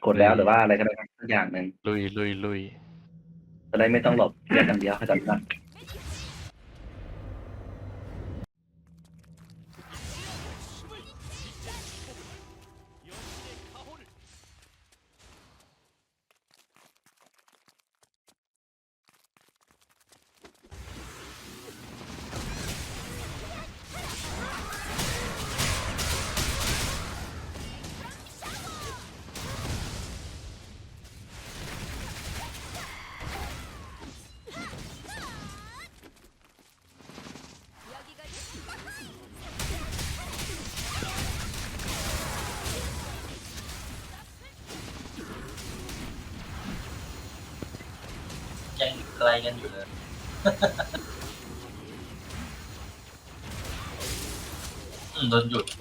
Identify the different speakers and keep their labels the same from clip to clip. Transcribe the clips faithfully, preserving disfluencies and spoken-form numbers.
Speaker 1: กดแล้วหรือว่าอะไรก็ได้สักอย่างหนึ่ง
Speaker 2: ลุยลุยลุย
Speaker 1: จะได้ไม่ต้องหลบเรียกอย่างเดียวเข้าใจไหม
Speaker 3: ยังไกลกันอยู่เลยอืมโดนหยุด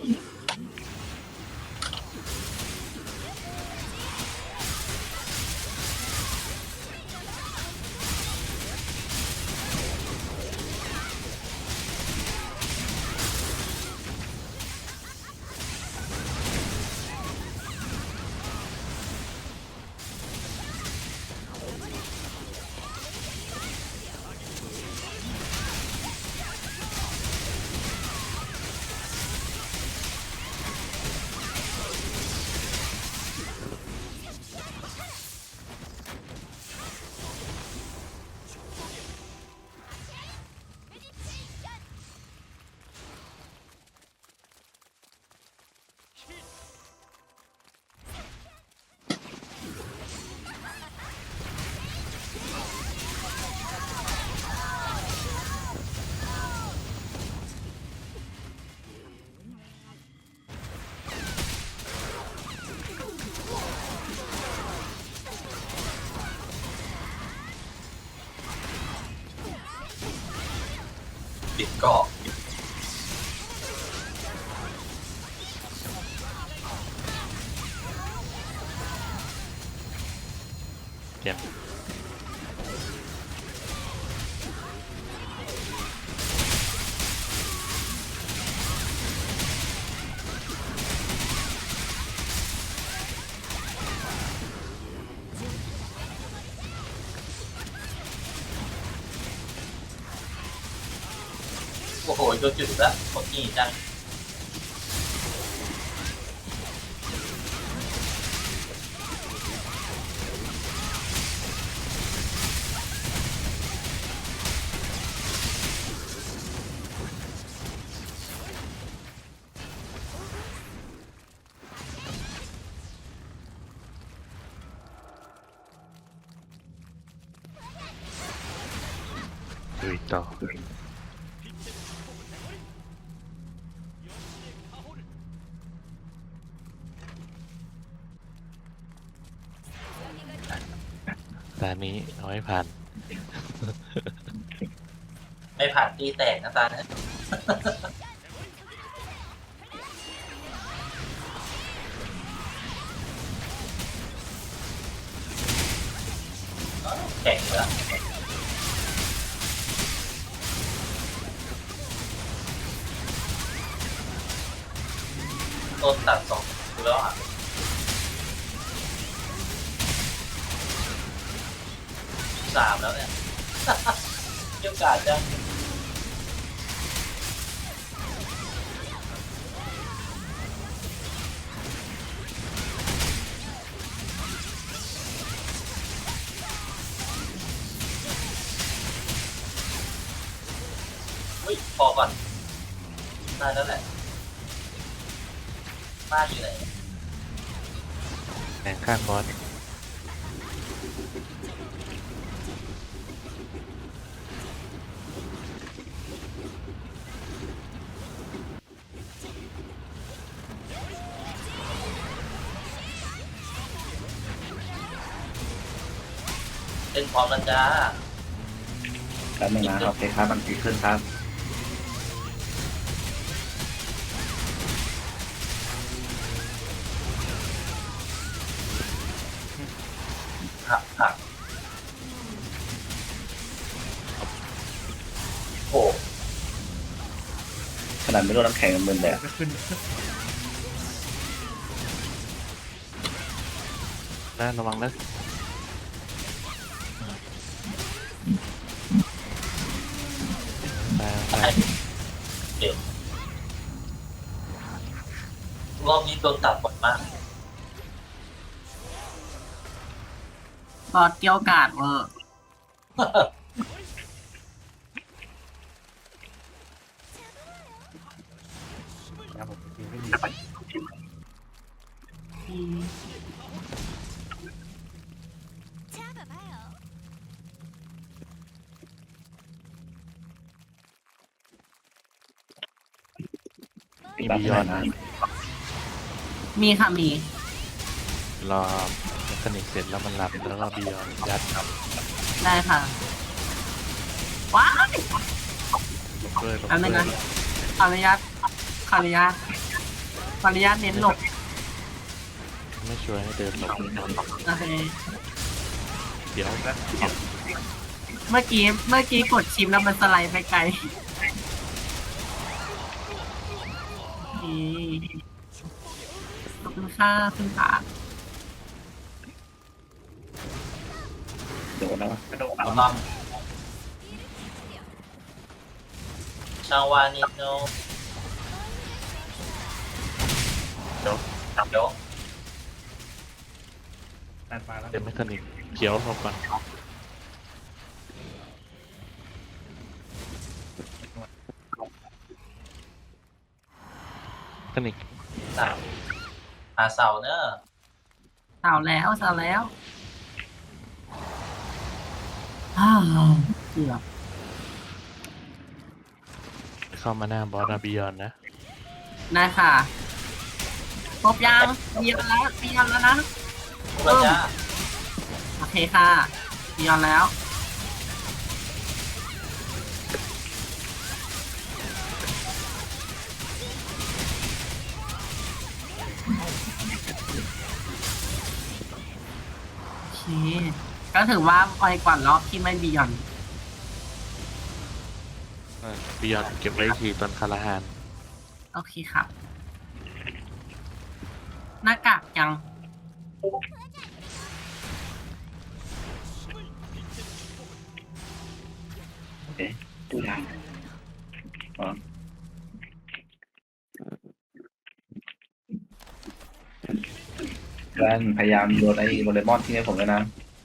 Speaker 3: ปิดเกาะ
Speaker 2: เก็บ
Speaker 3: โอ้โหโดนหยุดแล้วหมดนี่จัง
Speaker 2: ลุยต่อตอนนี้เอาให้ผ่าน
Speaker 3: ไม่ผ่านตีแตกนะตานะแข็งแล้วต้นตัดสองแล้วอ่ะสามแล้วเนี่ยเกี่ยวกาดจังอุ้ยพอก่อนได้แล้วแหละบ้านอยู่ไหน
Speaker 2: แข่งข้างบอส
Speaker 3: เป็นพร้อมแล้วจ้า
Speaker 1: แป๊บนึงนะโอเคครับมันดีขึ้นครับ
Speaker 3: หักหักโอ้
Speaker 1: ขนาดไม่โดนน้ำแข็งมันมึนเลยอะ
Speaker 4: ก็ขึ้น
Speaker 2: นะระวังนะตายตาย
Speaker 3: เด็กรอบนี้โดนตัดบ่อยมาก
Speaker 4: บอสเกี่ยวกาดเวอร์
Speaker 5: ครับผมจริงไม่ดี
Speaker 4: อืม
Speaker 2: มี
Speaker 1: ตัด
Speaker 2: บิ
Speaker 1: ไม่
Speaker 2: ย
Speaker 1: ได้
Speaker 2: อน
Speaker 1: นะ
Speaker 4: มีค่ะมี
Speaker 2: รอเมคานิกเสร็จแล้วมันหลับแล้วก็บิยอนยัด
Speaker 4: ได้ค่ะว้าย
Speaker 2: ลงด้วยลง
Speaker 4: อันนึง
Speaker 2: ด้ว
Speaker 4: นะ
Speaker 2: ย
Speaker 4: ขออนุญาตขออนุญาตขออนุญาตเน้นหลบ
Speaker 2: ไม่ช่วยให้เดินหลบ
Speaker 4: โอเค
Speaker 2: เดี๋ยว
Speaker 4: เมื่อกี้เมื่อกี้กดชิมแล้วมันสไลด์ไปไกลนี่ขอบคุณค่ะคุณขา
Speaker 1: โดนแล้วอะ
Speaker 5: กระโดด
Speaker 3: เอาลำชาวานิโนเดี๋ยวเดี๋ยว
Speaker 5: ตัดมาแล้ว
Speaker 2: เดี๋ยวเมคานิกเขียวหลบก่อนเมคานิก
Speaker 3: สามหาเสาเนอะ
Speaker 4: สาวแล้วสาวแล้วอ้าวเกือบ
Speaker 2: เข้ามาหน้าบอสนะบิยอนนะ
Speaker 4: ได้ค่ะครบยังมีกันแล้วมีกันแล้วนะ
Speaker 3: พวกเราจ้า
Speaker 4: โอเคค่ะมีกันแล้วโอเคก็ถือว่าไวกว่ารอบที่ไม่บียอน
Speaker 2: บิยอนเก็บไว้อีกทีตอนคาราฮาน
Speaker 4: โอเคครับ หน้ากากยัง
Speaker 1: โอเคดูได้อ๋อแวนพยายามโยนไอ้โดเรมอนที่ให้ผมเลยนะ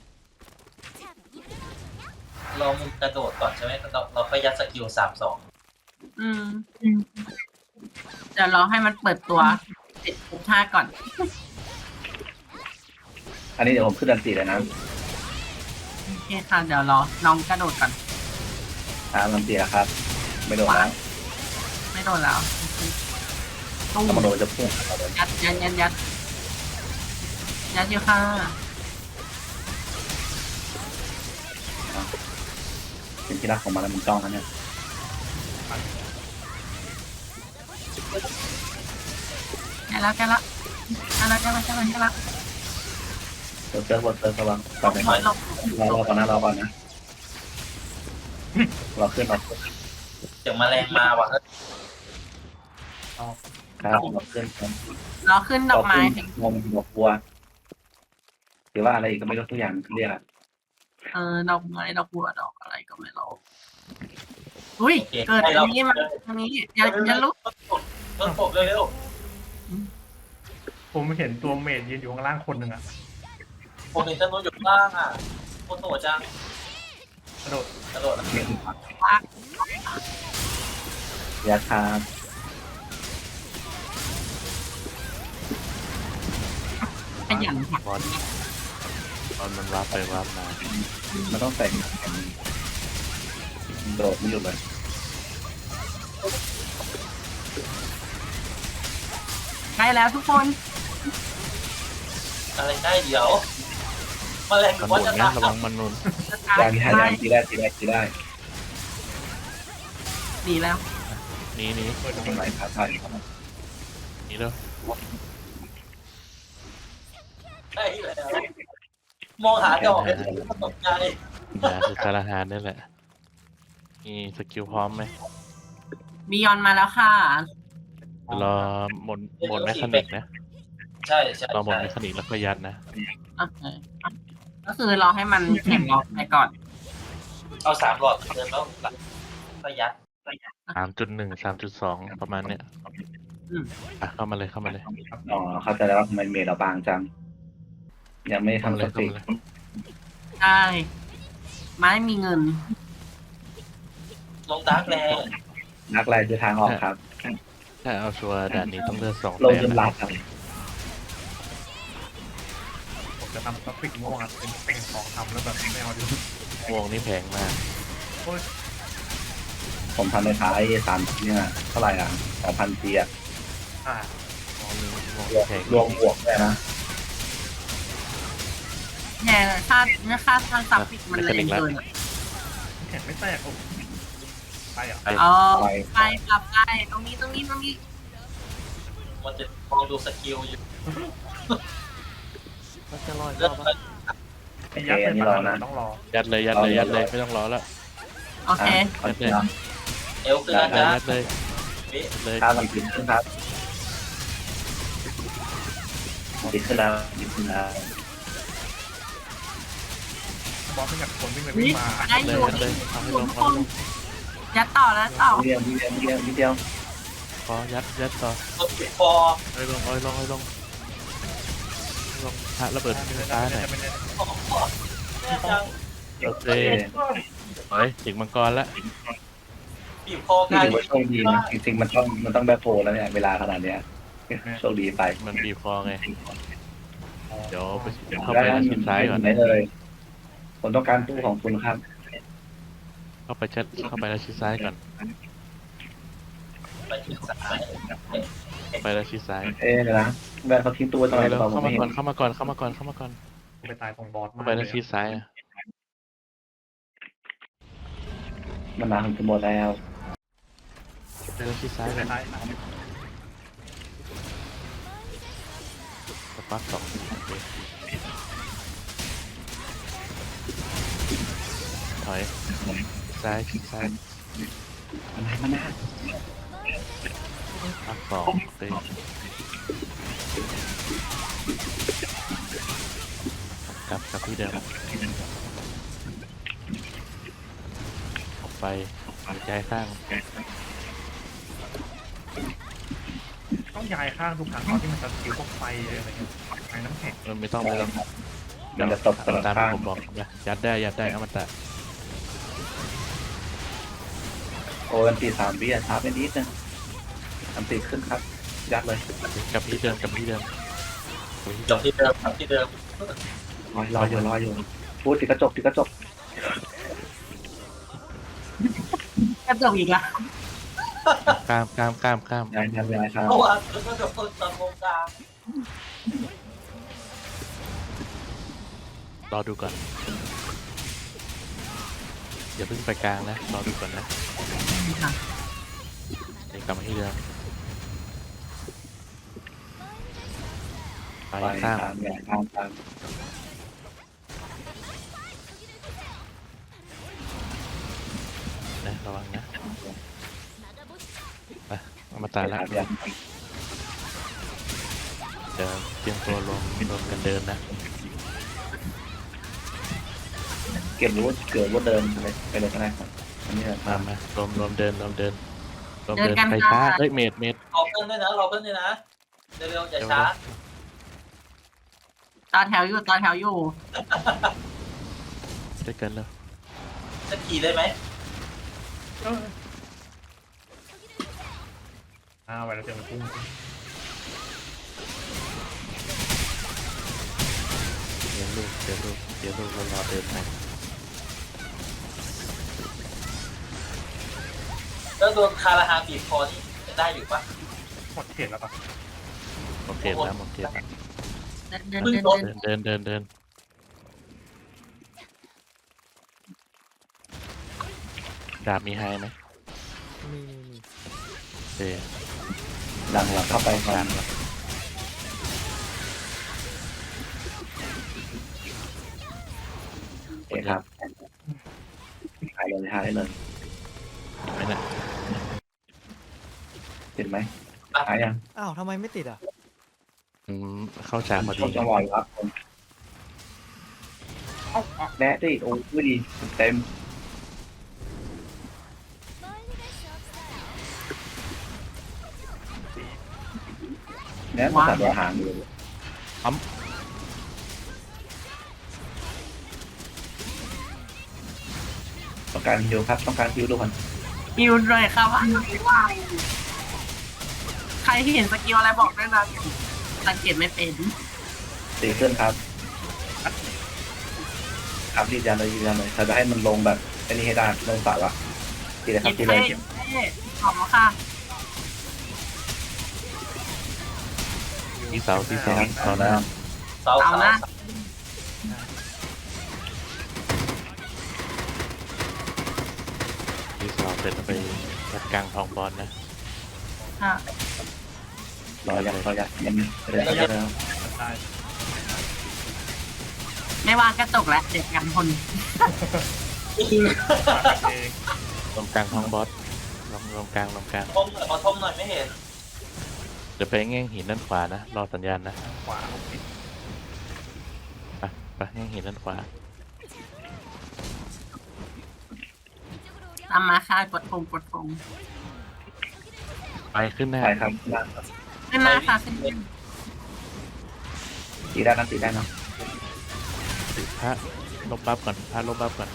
Speaker 3: เรามึงกระโดดก่อนใช่ไหมเราเราค่อยยัดสกิลสามสอง
Speaker 4: อืมเดี๋ยวรอให้มันเปิดตัวเสร็จทุกท่าก่อน
Speaker 1: อันนี้เดี๋ยวผมขึ้นดันตีเลยนะ
Speaker 4: โอเคค่ะ เดี๋ยวรอน้องกระโดดก่อน
Speaker 1: อ่าดันตีแล้วครับ ไม่โดนแล้ว
Speaker 4: ไม่โดนแล้วตู้
Speaker 1: ถ้ามันโดนจะพุ่งเข้าเลย
Speaker 4: ยัดยัดยัดยัดยัดอยู่ค่ะ
Speaker 1: เป็นที่รักของมันแล้วมันจ้องนะเนี่ย
Speaker 4: แกแล้วแกแล้วแกแล้วแกแล้วแกแล้วแกแล้ว
Speaker 1: เซิร์ฟเซิร์ฟบนเซิร์ฟระวังก่อนไป
Speaker 4: ถอยหลบ
Speaker 1: รอรอก่อนนะรอก่อนนะรอขึ้นรอขึ้น
Speaker 3: เสียงแมลงมาว่ะ
Speaker 1: ครับรอขึ้นครับ
Speaker 4: รอขึ้นดอกไม้
Speaker 1: รขึ้นงมดอกบัวหรือว่าอะไรอีกก็ไม่รู้ทุกอย่างเรียกอะ
Speaker 4: เออดอกไม้ดอกบัวดอกอะไรก็ไม่รู้อุ้ยเกิดอันนี้มาอันนี้อย่าอย่าลุก
Speaker 3: เพิ่มปกเร็ว
Speaker 5: ผมเห็นตัวเมดยืนอยู่ข้างล่างคนหนึ่งอะ
Speaker 3: ๆผมเห็นจำนวนอยู่ข้างล่างอ่ะโคตรโหดจัง
Speaker 5: กระโดด
Speaker 3: กระโดดนะ
Speaker 1: ยาคา
Speaker 4: ขยันค่ะ
Speaker 2: บอสบอสมันวาร์ปไปวาร์ปมา
Speaker 1: มันต้องแต่งโดดไม่หยุดเลย
Speaker 4: ใกล้แล้วทุกคน
Speaker 3: อะไรได้เดี๋ยวแมลงห
Speaker 2: มั
Speaker 3: รื
Speaker 2: น
Speaker 3: อ
Speaker 2: ห
Speaker 3: ว่า
Speaker 2: มุน
Speaker 3: จะ
Speaker 2: นะ
Speaker 3: ตาย
Speaker 2: ระวังมันหนุน
Speaker 1: ได้ที่ให้ได้ที่ได้ที่ได้ที่ได้
Speaker 4: ดีแล้ว
Speaker 2: หนีหนี
Speaker 1: ตรงไหนครับใช่ครับ
Speaker 2: หนีแล้ว
Speaker 3: ได้แล้วมองหาดอกเลยตกใจ
Speaker 2: อย่าคือคาราฮานนี่แหละมีสกิลพร้อมไหม
Speaker 4: บียอนมาแล้วค่ะ
Speaker 2: รอหมดหมดแมคานิกนะ
Speaker 3: ใช่ใช่
Speaker 2: ลองหมด
Speaker 3: ใช่
Speaker 2: เมคานิกแล้วก็ยัดนะ
Speaker 4: โอเคก็คือรอให้มันแข็งออกไปก่อน
Speaker 3: เอาสามหลอดเดิมแล้วหลังก็ยัด
Speaker 2: สามจุดหนึ่ง สามจุดสองประมาณเนี้ย
Speaker 4: อืม
Speaker 2: อ่ะเข้ามาเลยเข้ามาเลย
Speaker 1: อ๋อเข้าใจแล้วว่าทำไมเมดเราบางจัง ยังไม่
Speaker 2: เข้ามา
Speaker 1: ทำ
Speaker 2: เล
Speaker 1: ส
Speaker 2: ยเข้า
Speaker 1: ติ
Speaker 2: มาเลย
Speaker 4: ได้ไม่มีเงิน
Speaker 3: ลงดาร์กแลนด์
Speaker 1: นักไล่คือทางออกครับ
Speaker 2: ถ้าเอาชัวร์ด่านนี้ต้องเลือกสอง
Speaker 1: ลง
Speaker 2: แต้ม
Speaker 1: จนห
Speaker 2: นะ
Speaker 1: ลับครับ
Speaker 5: ผมจะทำกราฟิกม่วงอ่ะเป็นเป็นของทำแล้วแบบไม่เอาดิ
Speaker 2: ม่วงนี่แพงมาก
Speaker 5: โอ้ย
Speaker 1: ผมทำในท้ายสามเนี่ยเท่าไหร่อ่ะสองพันจีอ่ะ
Speaker 5: อ่า
Speaker 2: ม่วงนี่ม่วง
Speaker 1: รวม
Speaker 2: แพง
Speaker 1: รวมบวกด้วยนะ
Speaker 4: แย่ค่าค่าทางสับปิดมันแรงเกินอะ
Speaker 5: แข็งไม่แตกโอ้ไปอ่ะ
Speaker 2: ไป
Speaker 4: เอาไปกลับไปตรงนี้ตรงนี้ตรงนี้
Speaker 3: มันจะมองดูสกิลอยู่
Speaker 2: มันจะลอย
Speaker 3: เลือดไป
Speaker 1: โอ
Speaker 5: ไอ้
Speaker 1: เค
Speaker 5: ยักษ์
Speaker 1: อั
Speaker 5: เป็น น
Speaker 1: นี้
Speaker 5: ปัญ
Speaker 1: รอ
Speaker 5: หา
Speaker 1: นะ
Speaker 5: ต้องรอ
Speaker 2: ยัดเลยยัดเลยยัดเลยไม่ต้องรอแล้ว
Speaker 4: โอเค
Speaker 1: อ่ะขอเชิญนะ
Speaker 3: เอลขึ้น
Speaker 2: ยั
Speaker 3: แล้
Speaker 2: ด
Speaker 3: ว
Speaker 2: เลย
Speaker 3: นะ
Speaker 2: ยัดเลย
Speaker 3: เบ๊ะ
Speaker 2: ยัดเลย
Speaker 1: ข้าวมันกินขึ้นครับกินขึ้นแล้วกินขึ้นแล้ว
Speaker 5: บอสไม่อยากคนวิ่งไป
Speaker 4: นี่
Speaker 5: วิ่งมา
Speaker 4: ได้
Speaker 2: เล
Speaker 4: อย ยู่
Speaker 2: ยัดเลยเอาให้ลง
Speaker 4: ค
Speaker 2: เอาให้
Speaker 4: น
Speaker 2: ลง
Speaker 4: ยัดต่อแล้วต่อ
Speaker 1: นิดเดียวนิดเดียวนิดเดียวนิดเดียว
Speaker 2: พอยัดยัดต่อ
Speaker 3: รถติดคอ
Speaker 2: เอาให้ลงเอาให้ลงเอาให้ลงเอาให้ลงฮะระเบิด
Speaker 5: ไม่ได้
Speaker 2: ตาหน่อย
Speaker 5: ไม่ได้
Speaker 3: แน่จัง
Speaker 2: โอเค
Speaker 1: โอเค
Speaker 2: เฮ้ยถึงมังกรแล้ว
Speaker 3: บีบคอ
Speaker 1: นี่
Speaker 3: กัน
Speaker 1: ถือว่าโชคดีนะจริงๆมันต้องมันต้องแบคโฮแล้วเนี่ยเวลาขนาดเนี้ยโชคดีไป
Speaker 2: มันบีบคอไง เดี๋ยวไปเข้า
Speaker 1: ได้
Speaker 2: ไป
Speaker 1: นะ
Speaker 2: ชิดซ้ายก่อน
Speaker 1: ไหน
Speaker 2: นะ
Speaker 1: เลยผมต้องการตู้ของคุณครับ
Speaker 2: เข้าไปชัดเข้าไปแล้วชิดซ้ายก่อน
Speaker 3: ไปถึงสาย
Speaker 2: เข้าไปแล้วชิดซ้าย
Speaker 1: เอ๊ะเดี๋ยวนะแบนเขาทิ้งตู้ไว้ตรงไหนหรือ
Speaker 2: เร็ว
Speaker 1: เปล่า
Speaker 2: ๆ
Speaker 1: ผม
Speaker 2: เข้า
Speaker 1: ไม่
Speaker 2: มา
Speaker 1: เห็
Speaker 2: ก่อน
Speaker 1: น
Speaker 2: เข้ามาก่อนเข้ามาก่อนเข้ามาก่อนเข้ามาก่อน
Speaker 5: ไปตายตรงบอส
Speaker 2: เข้า
Speaker 5: มา
Speaker 2: ไปแล้วชิดซ้ายอะ
Speaker 1: มันมาถึงจะหมดแล้ว
Speaker 2: ไปแล้วชิดซ้ายก่อน
Speaker 5: ตาย
Speaker 2: สปักสองโอเคถอยซ้ายชิดซ้าย
Speaker 1: มันไหนมันนะ
Speaker 2: ปักสองโอเคกลับกลับที่เดิมออกไปหัวใจข้าง
Speaker 5: ต้องย้ายข้างทุกครั้งตอนที่มันจะสกิลพวกไฟอะไรเงี้ยไฟน้ำแข็ง
Speaker 2: มันไม่ต้องไม่ต้อง
Speaker 1: มันจะตบตลอด
Speaker 2: ตาม
Speaker 1: ข้าง
Speaker 2: ที่ผมบอกนะยัดได้ยัดได้เอามันตะ
Speaker 1: โอ้ยมันตีสามวิอ่ะช้าไปนิดนึงอันตีขึ้นครับ ยัดเลย
Speaker 2: กลับที่เดิมกลับที่เดิมกลับที่
Speaker 3: จ
Speaker 2: เดิ
Speaker 3: บ
Speaker 2: ม
Speaker 3: ที่เดิมที่เดิม
Speaker 1: รอรออยู่รออยู่พูดติดกระจกติดกระจก
Speaker 4: กระจกอีกละ
Speaker 2: ข้ามข้ามข้ามข้าม
Speaker 1: ย้ายย้ายย้ายครับ
Speaker 3: เพราะว่าแล้วก็จะเปิดตอนวงกลาง
Speaker 2: รอดูก่อนอย่าเพิ่งไปกลางนะรอดูก่อนนะ
Speaker 4: ค่ะ
Speaker 2: เดี๋ยวกลับมาที่เดิมไป
Speaker 1: ไป
Speaker 2: ข้าม
Speaker 1: ตามย้ายข้ามตาม
Speaker 2: นะระวังนะไปเอามาตายละ
Speaker 1: ย้าย
Speaker 2: เดี๋ยวเตรียมตัวรวมรวมกันเดินนะ
Speaker 1: เก็บรู้เกิดว่าเดินไปเลยไปเลยก็ได้ครับอันนี้
Speaker 2: มามารวมรวมเดินรวมเดินรวม
Speaker 4: เดิน
Speaker 2: เดิน
Speaker 4: กัน
Speaker 2: ไป
Speaker 4: ค่ะ
Speaker 2: ช้าเฮ้ยเมดเมด
Speaker 3: รอเพื่อนด้วยนะรอเพื่อนด้วยนะเร็วๆอย่าช้า
Speaker 4: ต่อแถวอยู่ต่อแถวอยู่
Speaker 2: ได้กันแล้ว
Speaker 3: จะขี่ได้ไหม
Speaker 5: อ้าวไปแล้วเจอมันพุ่ง
Speaker 2: เดี๋ยวลูกเดี๋ยวลูกเดี๋ยวลูกแล้วรอเดินไป
Speaker 3: แล้วโดนคาราฮาบีบคอนี่จะได้อยู่ปะ
Speaker 5: หมดเขตแล้วปะ
Speaker 2: โอเคแล้วโอเคแล้ว
Speaker 4: เดินเดินเดินเดิน
Speaker 2: เดินเดินเดินเดินดาบมีไฮไหม
Speaker 6: มีมีมี
Speaker 2: เดี๋ยว
Speaker 1: ดังเราเข้าไปก่อ
Speaker 2: ดาน บแล้ว
Speaker 1: โอเคครับหายเลยหายเลย
Speaker 2: ไม่น่ะ
Speaker 1: ติดไหมหายยัง
Speaker 6: อ้าวทำไมไม่ติดอ่ะ
Speaker 2: อืมเข้าฉากพอดี
Speaker 1: ช่วงจังหวะครับผมแนะดิโอ้ยดีเต็มแนะมาตัดหางอยู่ต้องการฮิวครับต้องการฮิวทุกคน
Speaker 4: ฮิวเลยครับว่าใครที่เห็นสกิลอะไรบอกด้วยนะสังเกตไม่เป็น
Speaker 1: ตีขึ้นครับครับยืนยันเลยยืนยันเลยถ้าจะให้มันลงแบบอันนี้ให้ได้ลงสายละตีเลยครับตีเลย
Speaker 4: ขอบคุณค่ะ
Speaker 2: ที่เสาที่เสา
Speaker 1: ครับ
Speaker 2: เสา
Speaker 1: เอา
Speaker 2: หน้า
Speaker 1: แล้ว
Speaker 3: เสา
Speaker 4: เอา
Speaker 3: เสา
Speaker 4: นะ
Speaker 2: ที่เสาเสร็จแล้วไปจัดกลางทองบอลนะ
Speaker 4: ค่ะ
Speaker 1: รอยักรอยักยังไม่ได้แล้ว
Speaker 5: ได้
Speaker 4: ไม่วางกระจกแล้วเด็กกันคน
Speaker 5: เอง
Speaker 2: ลงกลางทองบอสลงลงกลางลงกลาง
Speaker 3: ทมหน่อยขอทมหน่อยไม่เห็น
Speaker 2: เดี๋ยวไปแง่งหินด้านขวานะรอสัญญาณนะ
Speaker 5: ขวาโอเค
Speaker 2: ไปไปแง่งหินด้านขวา
Speaker 4: ตามมาค่ะกดพงกดพง
Speaker 2: ไปขึ้นหน้า
Speaker 1: ใช่ครับ
Speaker 4: ขึ้นมาค่ะขึ้นมา
Speaker 1: ตีได้นะตีได้นะ
Speaker 2: พระลบบัฟก่อนพระลบบัฟก่อน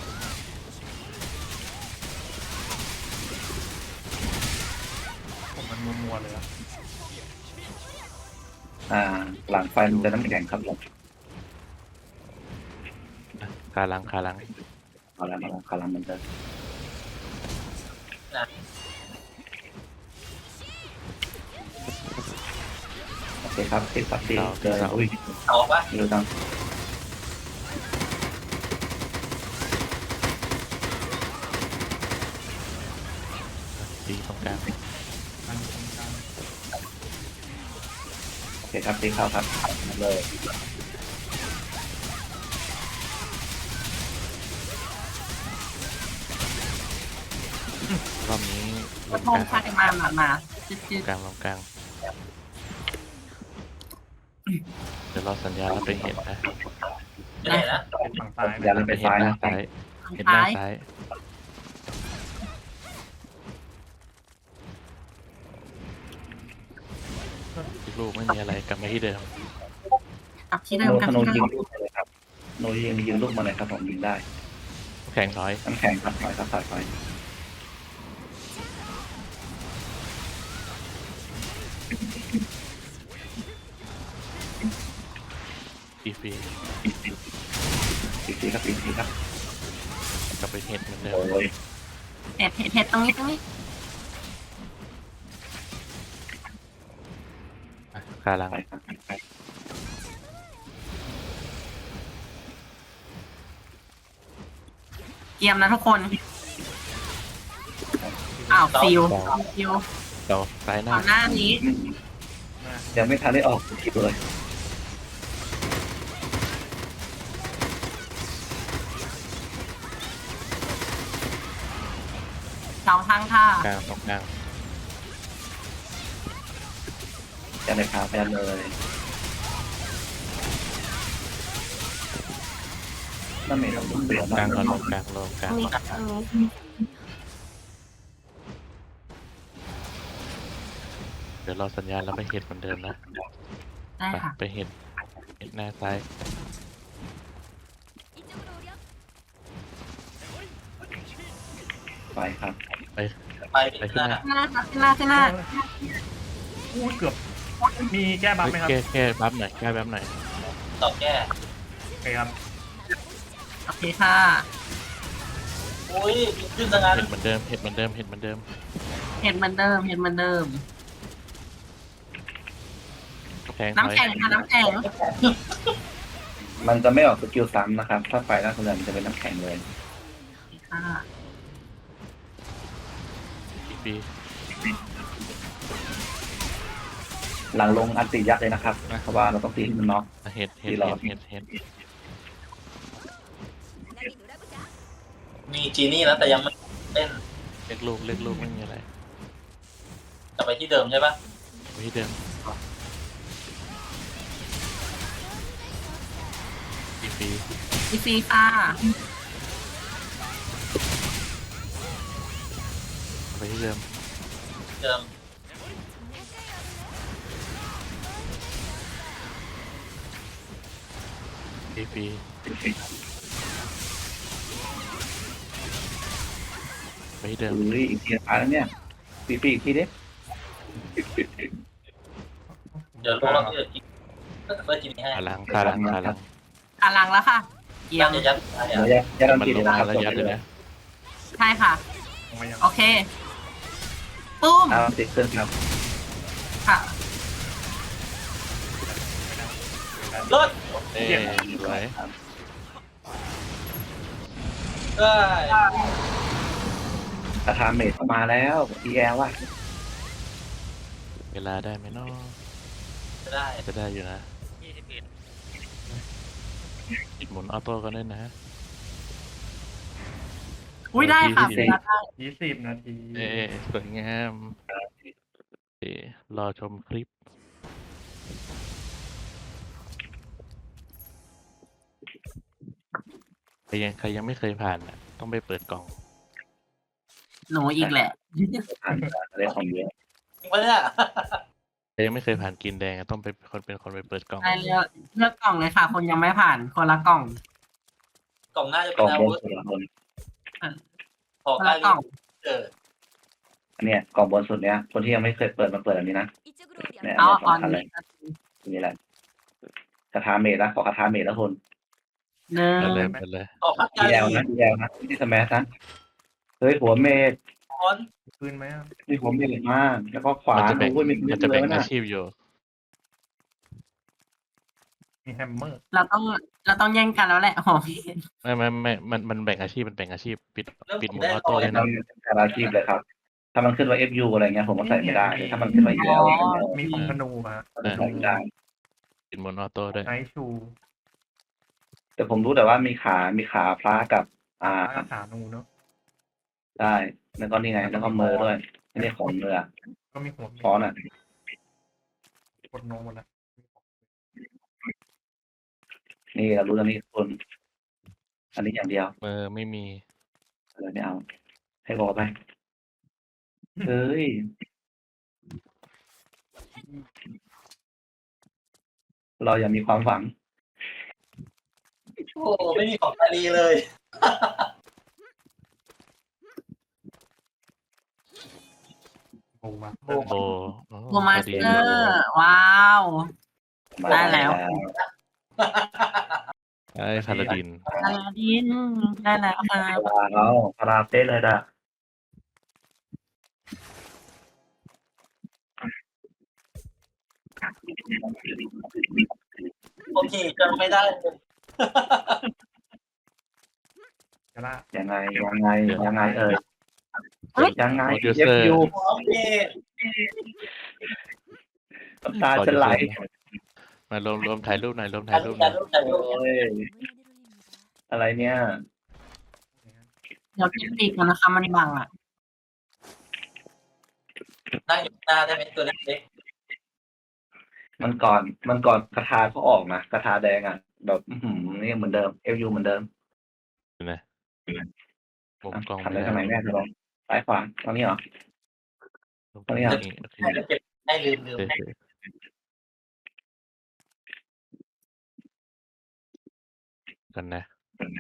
Speaker 5: ผมมันมัวๆเลยอะ
Speaker 1: อ่าหลังไฟมันจะน้ำแข็งครับผม
Speaker 2: อ่ะขาหลังขาหลัง
Speaker 1: เอาแล้วมาลองคารามันจะโอเคครับติดปัดตีเลยอุ้ย
Speaker 3: เอาปะ
Speaker 1: เร็วจัง
Speaker 2: ตีตรงกลาง
Speaker 5: ทางตรงกลาง
Speaker 1: โอเคครับตีเข้าครับเลย
Speaker 2: รอบนี้
Speaker 4: ก
Speaker 2: ล
Speaker 4: ด
Speaker 2: ง
Speaker 4: พ
Speaker 2: ก
Speaker 4: ง
Speaker 2: ลาง
Speaker 4: ค่ะมามามาจืด
Speaker 2: ล
Speaker 4: จื
Speaker 2: ง
Speaker 4: ด
Speaker 2: กลางลงกลางเดี๋ยวรอสัญญาณแล้วไปเห็นนะ
Speaker 3: ไม่ไหนนะ
Speaker 5: เป็นฝั่งซ้าย
Speaker 1: อย่าลืมไป
Speaker 2: เห็น
Speaker 1: ซ้าย
Speaker 2: หน้า
Speaker 1: นะ
Speaker 2: ซ้ายเห็นหน้า
Speaker 4: ท้าย
Speaker 2: ซ้ายอีกลูกไม่มีอะไรกลับมาที่เดิม
Speaker 4: กลับที่เดิ
Speaker 1: โน
Speaker 4: มกลับ
Speaker 1: ธโน
Speaker 4: ที่เดิ
Speaker 1: ยิง
Speaker 4: ม
Speaker 1: ลูกมาเลยครับโนยิงยิงลูกมาเลยครับผมยิงได้
Speaker 2: แข่งถอย
Speaker 1: น้ำแข็งครับถอยครับถอยถอย
Speaker 2: อีฟี
Speaker 1: ตีตีครับตีตีครับ
Speaker 2: กลับไปเห็นเหมือนเดิม
Speaker 1: โอ้ย
Speaker 4: เห็ดเห็ดเห็ดตรงนี้ตรงนี้
Speaker 2: อ่ะขาหลัง
Speaker 1: ไปครับไป
Speaker 4: เกียมนะทุกคนอ้าวฟิวฟิว
Speaker 2: เราซ้ายหน้า
Speaker 4: ก่อนหน้านี้
Speaker 1: ยังไม่ทันได้ออกคลิปเลย
Speaker 4: เสาทางท่าก
Speaker 2: ลางตรงกลาง
Speaker 1: จะเลยครับไปเลยนั่นเองเราเปลี่ยน
Speaker 2: กลางก่อนล
Speaker 1: มาง
Speaker 2: กลางลงกลาง
Speaker 4: นี่
Speaker 2: ก่อน
Speaker 4: กับตรงนี้
Speaker 2: เดี๋ยวรอสัญญาณแล้วไปเห็นเหมือนเดิมนะ
Speaker 4: ได้
Speaker 2: ไป
Speaker 4: ค่ะ
Speaker 2: ไปเห็นเห็นหน้าซ้าย
Speaker 1: ไปครับ
Speaker 2: ไป
Speaker 3: ไป
Speaker 2: ไป
Speaker 3: ขึ้
Speaker 2: ขึ้
Speaker 3: น
Speaker 2: น
Speaker 3: ห
Speaker 2: ห
Speaker 3: น้า
Speaker 2: น้า
Speaker 4: ขึ้นหน้าขึ้นหน้าขึ้นหน้า
Speaker 5: อู้เกือบมีแก้บัฟไหมครับ
Speaker 2: แก้แก้บัฟหน่อยแก้บัฟหน่อย
Speaker 3: ตอบแก้
Speaker 5: โอเคครับ
Speaker 4: โอเคค่ะ
Speaker 3: อุ้ยขึ้นซะงั้น
Speaker 2: เห็นเหมือนเดิมเห็นเหมือนเดิมเห็นเหมือนเดิม
Speaker 4: เห็ดเหมือนเดิมเห็ดเหมือนเดิม
Speaker 2: แข่งถ
Speaker 4: น้ำ
Speaker 2: อย
Speaker 4: แข็งค่ะน้ำแข็ง
Speaker 1: มันจะไม่ออกสกิลซ้ำนะครับ ถ้าไฟล่าสุดมันจะเป็นน้ำแข็งเลย
Speaker 4: ค่ะ
Speaker 2: อีฟี
Speaker 1: หลังลงอันติยักษ์เลยนะครับเพราะว่าเราต้องตีให้มันน็อก
Speaker 2: เห็นเห็น
Speaker 1: ที่รอ
Speaker 2: เห็นเห็นเห็น
Speaker 3: มีจีนี่แล้วแต่ยังไม่เล่น
Speaker 2: เล็กลูกเล็กลูกไม่มีอะไร
Speaker 3: จะไปที่เดิมใช่ปะ
Speaker 2: ไปที่เดิมฟรี
Speaker 4: อีซีค่ะ
Speaker 2: ไปที่เดิม
Speaker 3: เดิม
Speaker 2: ฟรีฟรีไปที่เดิม
Speaker 1: อุ้ยอีกทีตายแล้วเนี่ยปีปีอีกทีดิ
Speaker 3: เดี๋ยวลงแล้วพี่จะกินก็จะเฟิร์สกินให้
Speaker 2: ขาลังขาลังขาลัง
Speaker 4: ขาลังแล้วค่ะเยี่ย
Speaker 3: ยั
Speaker 4: ม
Speaker 3: ดจะยัดอะไร
Speaker 1: เดี๋ยว
Speaker 3: อ่ะ
Speaker 1: ยัดยัดอัน
Speaker 2: มัน
Speaker 1: ตี
Speaker 2: ล
Speaker 1: เลย
Speaker 2: ง
Speaker 1: นะ
Speaker 2: มา
Speaker 1: ครับ
Speaker 2: แล้วยัดเลยนะ
Speaker 4: ใช่ค่ะ
Speaker 5: ลงมายัง
Speaker 4: โอเคปุ้ม
Speaker 1: เอาติดเครื่องครับ
Speaker 4: ค่ะ
Speaker 3: รถ
Speaker 2: เอ้ยสวย
Speaker 3: ได้
Speaker 1: คาถาเมจมาแล้วอีแอลว่ะ
Speaker 2: เวลาได้ไหมเนาะ
Speaker 3: ได้
Speaker 2: จะได้อยู่นะ
Speaker 3: ยี่สิบเอ็ด
Speaker 2: หมุนออโต้กันด้วยนะ
Speaker 4: อุ้ยได้ค่ะ
Speaker 2: โอเค
Speaker 4: เวลาได้
Speaker 5: ยี่สิบนาที
Speaker 2: เอ้ยสวยงามเอ้ยรอชมคลิปใครยังใครยังไม่เคยผ่านอ่ะ ต้องไปเปิดกล่อง
Speaker 4: หนูอีกแหละ
Speaker 1: ผ่านอะไรของเยอะ
Speaker 3: จริงปะเนี่ย
Speaker 2: ใครยังไม่เคยผ่านกินแดงอะต้องไปคนเป็นคนไปเปิดกล่อง
Speaker 4: ได้เลือกเลือกกล่องเลยค่ะ คนยังไม่ผ่านคนละกล่อง
Speaker 3: กล่องหน้าจะ
Speaker 1: ก
Speaker 3: เป็
Speaker 1: ล่อน ง
Speaker 3: อา
Speaker 1: บน
Speaker 3: วุธ
Speaker 1: สุดละคน
Speaker 3: ขอ
Speaker 4: คน
Speaker 3: ใกล้
Speaker 4: ละกล่อง
Speaker 3: เออ
Speaker 1: อันเนี้ยกล่องบนสุดเนี้ยคนที่ยังไม่เคยเปิดมาเปิดอันนี้นะเนี่ย
Speaker 4: เอา
Speaker 1: อัน
Speaker 4: ต
Speaker 1: เนี้
Speaker 4: อย น
Speaker 1: สำคัญเล
Speaker 4: นี้
Speaker 1: ยอันนี้แหละคาถาเมจนะขอคาถาเมจแล้วคน
Speaker 4: หนึ่ง
Speaker 2: เปิดเลยเปิดเลย
Speaker 3: ขอพัก
Speaker 1: อี
Speaker 3: กา
Speaker 1: แอ
Speaker 3: ลี
Speaker 1: ลนะอีแอลนะไม่ใช่สมัชนะเฮ้ยหัวเมจ
Speaker 3: คอน
Speaker 5: ปืนไหมอะ
Speaker 1: มีหัวเมจมากแล้วก็ขวา
Speaker 2: มันจะแบ่ง
Speaker 1: โอ้ยมี
Speaker 2: มันจะแบ่ง
Speaker 1: เลย
Speaker 2: อา
Speaker 1: นะ
Speaker 2: ชีพอยู่
Speaker 5: มีแฮมเมอร์
Speaker 4: เราต้องเราต้องแย่งกันแล้วแหละหอม
Speaker 2: ไม่ไม่ไม่มันมันแบ่งอาชีพมันแบ่งอาชีพปิด
Speaker 3: เริ่ม
Speaker 2: ปิดหมุน
Speaker 3: ได้
Speaker 2: ออ
Speaker 3: ต่
Speaker 2: โต้
Speaker 3: อ
Speaker 2: เลย
Speaker 1: ทำ
Speaker 2: นะ
Speaker 1: การอาชีพเลยครับ ถ้ามันขึ้นว่า เอฟ ยู อะไรเงี้ยผมก็ใส่ไม่ได้แต่ถ้ามันขึ้นว่า อี แอล อะไรเงี้ย
Speaker 5: มีของธนูมา
Speaker 2: เออ
Speaker 1: ใส่ไม่ได้
Speaker 2: ปิดหมุนออโต้ด้วย
Speaker 5: ไนท์ชู
Speaker 1: แต่ผมรู้แต่ว่ามีขา มีขาพระกับ อ่า
Speaker 5: อาขานูเนาะ
Speaker 1: ได้แล้วก็นี่ไง แล้วก็มือด้วยนี่ของเรือ
Speaker 5: ก็มีหัว
Speaker 1: ฟอนอ่ะ
Speaker 5: กดโนหมดแล้ว
Speaker 1: นี่เรารู้แล้วนี่คน อันนี้อย่างเดียว
Speaker 2: เออไม่มี
Speaker 1: เลยไม่เอา ให้บอกไปเฮ้ย เราอย่ามีความหวัง
Speaker 3: โอ้ไม่มีของกาลีเลย
Speaker 5: โบมา
Speaker 2: โบอ๋อ
Speaker 4: โบมา
Speaker 2: พ
Speaker 4: ส
Speaker 2: อดี
Speaker 4: เตอร์ว้าว ได้แล้ว
Speaker 2: ไอ้พาลาดิน
Speaker 4: อลาดินได้แล้วค่ะ
Speaker 1: พาราเราพาราเต้เลยด่ะ
Speaker 3: โอเคจะไม่ได้เลย
Speaker 5: กระละ
Speaker 1: ยังไง ยังไง ยังไงเอ่ย ยังไง
Speaker 2: โปรดิว
Speaker 1: เอ
Speaker 2: เซอ
Speaker 1: ฟ
Speaker 2: ร์
Speaker 1: ยู
Speaker 3: โอเค
Speaker 1: น้ำตาจะไหล
Speaker 2: มารวมรวมถ่ายรูปหน่อยรวมถ่า
Speaker 3: ถ่าย ย
Speaker 2: รู
Speaker 3: รู
Speaker 2: ป
Speaker 3: ป
Speaker 2: หน่
Speaker 3: ถ่า
Speaker 2: อย ย
Speaker 3: รูปถ่ายรูป
Speaker 1: โอ้ย อะไรเนี่ย
Speaker 4: เดี๋ยวพี่ปีกมันนะคะมันบังอ่ะ
Speaker 3: นั่งอยู่หน้าได้ไหมตัวเล็ก
Speaker 1: มันก่อน มันก่อนกระทาเขาออกนะกระทาแดงอ่ะ แบบอื้อหือนี่เหมือนเดิม เอฟยูเหมือนเดิม
Speaker 2: นะมุมกล้อง
Speaker 1: ทำ
Speaker 2: ไม่
Speaker 1: ได้
Speaker 2: ได้
Speaker 1: ทำไมแม่จะลองซ้ายขวาตรงนี้เหรอ
Speaker 2: มุมกล้อง
Speaker 1: ตรงนี้เหรอ
Speaker 2: นี่โอเค
Speaker 3: ๆให้เก็บให้ลืมลืม
Speaker 2: เฉยๆกันนะ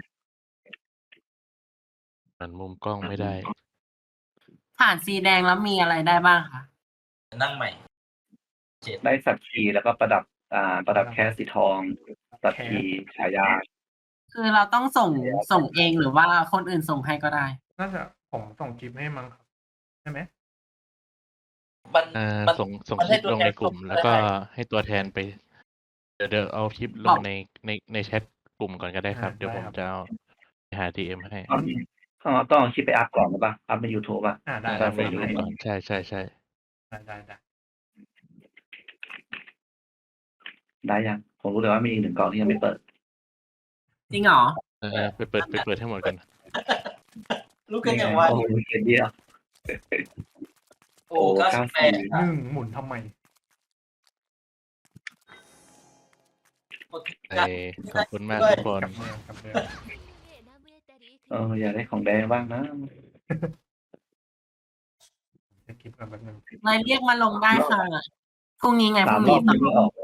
Speaker 2: มันมุมกล้องไม่ได้
Speaker 4: ผ่านสีแดงแล้วมีอะไรได้บ้างคะ
Speaker 3: นั่งใหม่
Speaker 1: ได้สัตว์ขีแล้วก็ประดับ อ่า ประดับแค่สีทอง สัตว์ขีฉายา
Speaker 4: คือเราต้องส่งส่งเองหรือว่าคนอื่นส่งให้ก็ได้
Speaker 5: น่าจะผมส่งคลิปให้มั้งครับใช่ไหม
Speaker 3: มัน
Speaker 2: อ่า
Speaker 3: มัน
Speaker 2: ส่งส่ง
Speaker 3: มัน
Speaker 2: ค
Speaker 3: ให้
Speaker 2: ลิป
Speaker 3: ตัว
Speaker 2: ลง
Speaker 3: แทน
Speaker 2: ในกลุ่ม
Speaker 3: ส่ง
Speaker 2: แล้วก็
Speaker 3: ได้
Speaker 2: ให้ตัวแทนไป เดี๋ยวเดี๋ยวเอาคลิปล
Speaker 4: บ
Speaker 2: ง
Speaker 4: อก
Speaker 2: ในในในแชทกลุ่มก่อนก็ได้ครับ เดี๋ยวผมจะเอาไปหาดีเอ็มให้
Speaker 1: ต้องเอาต้องเอาคลิปไปอัพก่อนหรือเปล่าอัพใน YouTube อ่ะ
Speaker 5: อ่าได้
Speaker 1: ได้
Speaker 2: เอาไปดูก่อนใช่ใช่ใช่
Speaker 5: ได้ได้ได้
Speaker 1: ได้ยัง ผมรู้แต่ว่ามีอีกหนึ่งกล่องที่ยังไม่เปิด
Speaker 4: จริงเหรอ
Speaker 2: เออไปเปิดไปเปิดให้หมดกัน
Speaker 3: ลูกกันอย่างไว
Speaker 1: โอ้โหเขียนเดียว
Speaker 3: โอ้เก้าสิบแปด
Speaker 5: หนึ่งหมุนทำไม
Speaker 2: เอ้ยขอบคุณมากทุกคน
Speaker 5: กับเมืองกับเมือง
Speaker 1: เอออยากได้ของแดงบ้างนะ
Speaker 5: จะคลิปกันแบบนึง
Speaker 4: นายเรียกมาลงได้ค่ะพรุ่งนี้ไงพ
Speaker 1: สา
Speaker 4: รุ่
Speaker 1: ม
Speaker 4: ง
Speaker 1: รอ
Speaker 4: นี้
Speaker 1: บ
Speaker 4: ต่
Speaker 1: ยังไม่ออก